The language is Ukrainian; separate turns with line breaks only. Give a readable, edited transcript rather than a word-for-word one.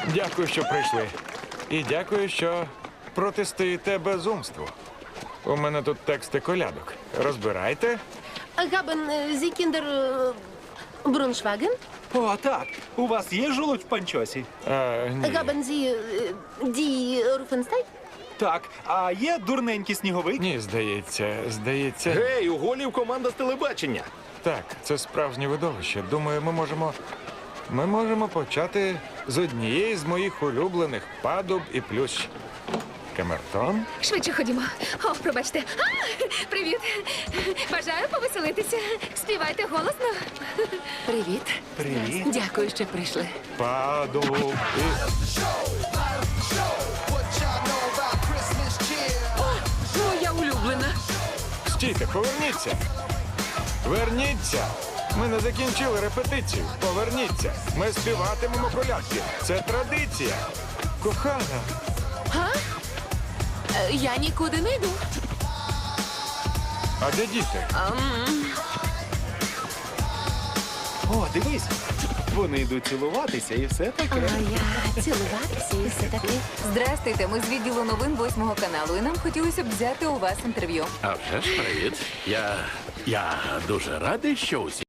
Дякую, що прийшли. І дякую, що протистоїте безумству. У мене тут тексти колядок. Розбирайте.
Haben Sie Kinder Бруншваген?
О, так. У вас є жолудь в панчосі?
Ні.
Haben Sie die Руфенстайн?
Так. А є дурненький сніговик?
Ні, здається.
Гей, у голів команда з телебачення.
Так, це справжнє видовище. Думаю, ми можемо почати з однієї з моїх улюблених падуб і плющ. Камертон?
Швидше ходімо. О, пробачте. Привіт. Бажаю повеселитися. Співайте голосно.
Привіт.
Привіт.
Дякую, що прийшли.
Падуб і...
Моя улюблена.
Стійте, поверніться! Верніться! Ми не закінчили репетицію. Поверніться! Ми співатимемо колядки. Це традиція. Кохана,
Я нікуди не йду.
а де діти?
О, дивись. Вони йдуть цілуватися і все таке.
Я цілуватися і все таке.
Здрастуйте, ми з відділу новин 8 каналу, і нам хотілося б взяти у вас інтерв'ю.
А вже ж привіт. Я дуже радий, що усі